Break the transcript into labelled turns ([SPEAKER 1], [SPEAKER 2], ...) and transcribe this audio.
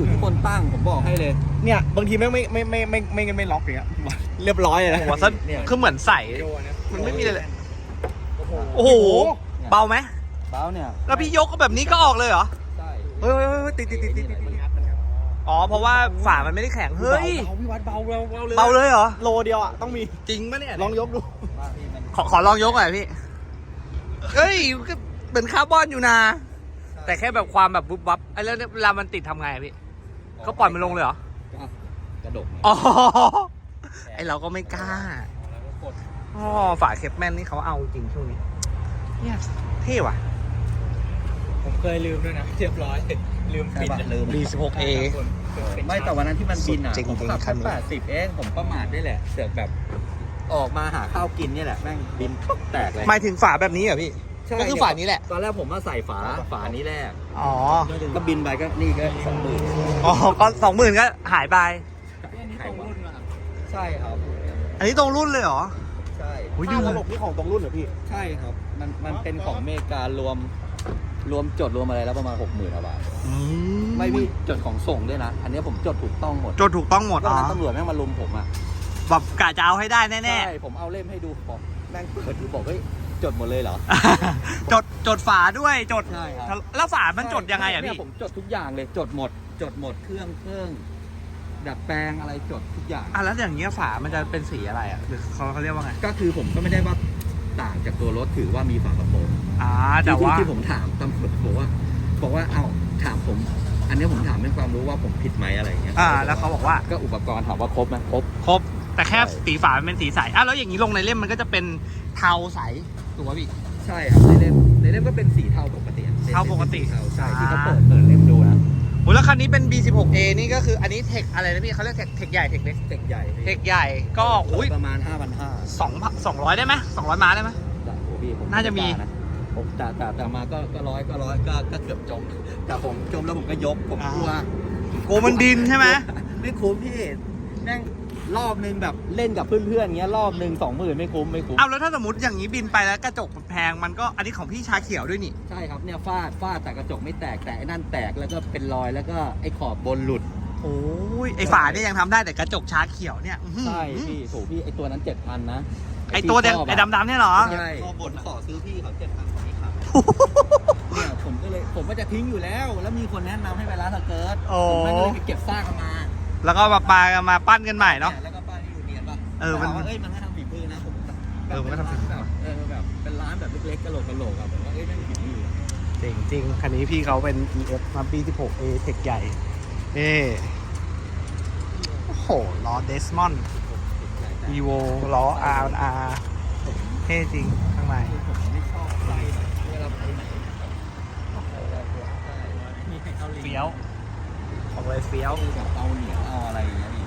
[SPEAKER 1] อยู่ที่คนตั้งผมบอกให้เลย
[SPEAKER 2] เนี่ยบางทีไม่ล็อกอย่างเงี้ยเรียบร้อยเลยนะ
[SPEAKER 3] หัวซะคือเหมือนใส่มันไม่มีอะไรเลยโอ้โหเบาไหม
[SPEAKER 1] เบาเนี่ย
[SPEAKER 3] แล้วพี่ยกก็แบบนี้ก็ออกเลยเหรอ
[SPEAKER 1] ใช่
[SPEAKER 3] เฮ้ยติดอ๋อเพราะว่าฝามันไม่ได้แข็งเฮ้ย
[SPEAKER 2] พี่วัดเบาเลย
[SPEAKER 3] เบาเลยเหรอ
[SPEAKER 2] โลเดียวอ่ะต้องมี
[SPEAKER 3] จริงปะเนี่ย
[SPEAKER 2] ลองยกดู
[SPEAKER 3] ขอลองยกหน่อยพี่เฮ้ยก็เหมือนคาร์บอนอยู่นะแต่แค่แบบความแบบวุบวับไอ้แล้วเวลามันติดทำไงอะพี่ก็ปล่อยมันลงเลยเหรอก
[SPEAKER 1] ระดก
[SPEAKER 3] อ๋อไอเราก็ไม่กล้าอ๋อฝาเคปแมนนี่เขาเอาจริงช่วงนี้เนี่ยเท่ว่ะ
[SPEAKER 2] ผมเคยลืมด้วยนะเรียบร้อยลืมปิด
[SPEAKER 1] ลืม
[SPEAKER 3] B16A
[SPEAKER 1] ไม่แต่วันนั้นที่มันบินอ่ะ
[SPEAKER 3] จริงๆ
[SPEAKER 1] ผมขับ
[SPEAKER 3] คันนี้
[SPEAKER 1] แค่80เองผมประมาทได้แหละเสือกแบบออกมาหาข้าวกินเนี่ยแหละแม่งบินแตกเลย
[SPEAKER 3] หมายถึงฝาแบบนี้เหรอพี่ก็คือฝานี้แหละ
[SPEAKER 1] ตอนแรกผมมาใส่ฝานี้แรก
[SPEAKER 3] อ๋อ
[SPEAKER 1] ก็บินไปก็นี่ก็20,000
[SPEAKER 3] อ๋อก็20,000ก็หายไป
[SPEAKER 1] ใช่ครับ
[SPEAKER 3] อันนี้ตรงรุ่นเลยเหรอ
[SPEAKER 1] ใช่
[SPEAKER 3] อุ้ย
[SPEAKER 2] ค่า
[SPEAKER 3] ดู
[SPEAKER 2] ตลกนี่ของตรงรุ่นเหรอพี่
[SPEAKER 1] ใช่ครับมันเป็นของอเมริการวมจดรวมอะไรแล้วประมาณ 60,000 บาท
[SPEAKER 3] อืม
[SPEAKER 1] ไม่พี่จดของส่งด้วยนะอันนี้ผมจดถูกต้องหมด
[SPEAKER 3] จดถูกต้องหมด
[SPEAKER 1] ตอน
[SPEAKER 3] อ๋อ
[SPEAKER 1] นั้นตำรวจแม่งมาลุมผมอ่ะ
[SPEAKER 3] แบบกะจะเอาให้ได้แน่
[SPEAKER 1] ใช่ผมเอาเล่มให้ดูบอกแม่งเปิดดูบอกเฮ้ยจดหมดเลยเหรอ
[SPEAKER 3] ๆ จดฝาด้วยจด
[SPEAKER 1] ใช่ครับ
[SPEAKER 3] แล้วฝามันจดยังไงอะ
[SPEAKER 1] เนี่
[SPEAKER 3] พี่
[SPEAKER 1] ผมจดทุกอย่างเลยจดหมดเครื่องดัดแปลงอะไรจดทุกอย่าง
[SPEAKER 3] อ่ะแล้วอย่างเงี้ยฝามันจะเป็นสีอะไรอ่ะหรือเขาเรียกว่าไง
[SPEAKER 1] ก็คือผมก็ไม่ได้ว่าต่างจากตัวรถถือว่ามีฝากระโปรง
[SPEAKER 3] แต่ว่า
[SPEAKER 1] ที่ผมถามตำรวจบอกว่าเอาถามผม อันนี้ผมถามเป็นความรู้ว่าผมผิดไหมอะไรอย่างเงี้ย
[SPEAKER 3] แล้วเขาบอกว่า
[SPEAKER 1] ก็อุปกรณ์ถามว่าครบไหมครบ
[SPEAKER 3] ครบแต่แค่
[SPEAKER 1] ใช่
[SPEAKER 3] สีฝามันเป็นสีใสแล้วอย่างนี้ลงในเล่มมันก็จะเป็นเทาใสถูกป่ะพี่
[SPEAKER 1] ใช่ครับในเล่มก็เป็นสีเทาปกติอะ
[SPEAKER 3] เทาปกติ
[SPEAKER 1] เทาใช่ที่เขาเปิดเล่มดูนะ
[SPEAKER 3] โอ้แล้วคันนี้เป็น B16A นี่ก็คืออันนี้เทคอะไรนะพี่เขาเรียกเทคใหญ่เทคเล็ก
[SPEAKER 1] เด็กใหญ่
[SPEAKER 3] เทคใหญ่ก็อุ้ย
[SPEAKER 1] ประมาณ
[SPEAKER 3] 200ได้ไหม200ม้าได้ไหม
[SPEAKER 1] จากโอ้พี่ผม
[SPEAKER 3] น่าจะมี
[SPEAKER 1] ผมแต่มาก็ร้อยก็เกือบจมแต่ผมจมแล้วผมก็ยกผมกลัว
[SPEAKER 3] โกมันดินใช่ไหม
[SPEAKER 1] ไม่คุ้มพี่แม่งรอบนึงแบบเล่นกับเพื่อนๆเงี้ยรอบนึง20,000ไม่คุ้ม
[SPEAKER 3] เอาแล้วถ้าสมมติอย่างนี้บินไปแล้วกระจกมันแพงมันก็อันนี้ของพี่ชาเขียวด้วยนี่
[SPEAKER 1] ใช่ครับเนี่ยฟาดแต่กระจกไม่แตกแต่ไอ้นั่นแตกแล้วก็เป็นรอยแล้วก็ไอ้ขอบบนหลุด
[SPEAKER 3] โอ้ยไอฝาเนี่ยยังทำได้แต่กระจกชาเขียวเนี่ยอื้อหือ
[SPEAKER 1] ใช่พี่ถูกพี่ไอ้ตัวนั้น 7,000 นะ
[SPEAKER 3] ไอตัวแดงไอดำๆเนี่ยเหรอ
[SPEAKER 1] ใช่ขอบนขอซื้อพี่เขา 7,000ของพี่ครับเนี่ยผมก็จะทิ้งอยู่แล้วมีคนแนะนำให้ไปร้านสเกิร์ต
[SPEAKER 3] โอ้
[SPEAKER 1] ผมก็เลยไปเก็บซากมา
[SPEAKER 3] แล้วก็มาปั้นกันใหม่เนาะ
[SPEAKER 1] แล้วก็ป้ายที่อยู่เนียนป่ะ
[SPEAKER 3] มัน
[SPEAKER 1] ถามว่ามันให้ทำฝีมือนะผม
[SPEAKER 3] มันก็ทำฝีมือ
[SPEAKER 1] แบบเป็นร้านแบบเล็กๆกะโหลกอะผมว่าไม่มีฝีมือ
[SPEAKER 3] จริงคันนี้พี่เขาเป็น EF มา B16A เทคใหญ่นี่โอ้โหล้อเดสมอน Evo ล้อ R&R เท่จริงข้างใน
[SPEAKER 1] ผมไม่ชอบไซส์แบบเวลาไปไหนมีใครเกาหลี
[SPEAKER 3] เฟี้ยวของเลยเฟี้ยว
[SPEAKER 1] แบบเอาเหนียวเอาอะไรอย่างเงี้ย